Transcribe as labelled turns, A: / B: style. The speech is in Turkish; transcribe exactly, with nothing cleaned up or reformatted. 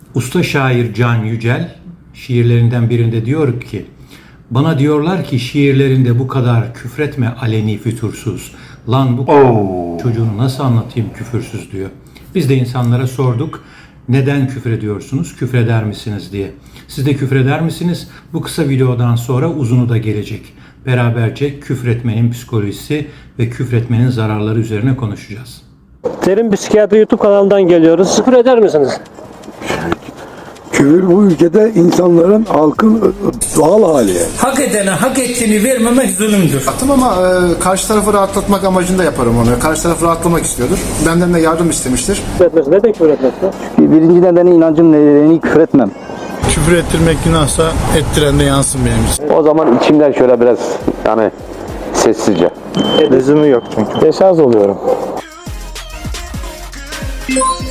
A: Usta şair Can Yücel şiirlerinden birinde diyor ki, bana diyorlar ki şiirlerinde bu kadar küfretme aleni fütursuz. Lan bu
B: Oo.
A: çocuğunu nasıl anlatayım küfürsüz diyor. Biz de insanlara sorduk, neden küfrediyorsunuz, küfreder misiniz diye. Siz de küfreder misiniz? Bu kısa videodan sonra uzunu da gelecek. Beraberce küfretmenin psikolojisi ve küfretmenin zararları üzerine konuşacağız.
C: Derin Psikiyatri YouTube kanalından geliyoruz. Küfür eder misiniz?
D: Küfür bu ülkede insanların, halkın doğal hali.
E: Hak edene hak ettiğini vermemek zulümdür.
F: Yaptım ama e, karşı tarafı rahatlatmak amacında yaparım onu. Karşı tarafı rahatlamak istiyordur. Benden de yardım istemiştir.
C: Küfür etmesi. Neden küfür etmesi?
G: Birinci nedeni inancım nedeni küfür etmem.
H: Küfür ettirmek günahsa ettiren de yansın benim için.
B: O zaman içimden şöyle biraz yani sessizce.
C: Lüzumu yok çünkü.
G: Deşarj oluyorum.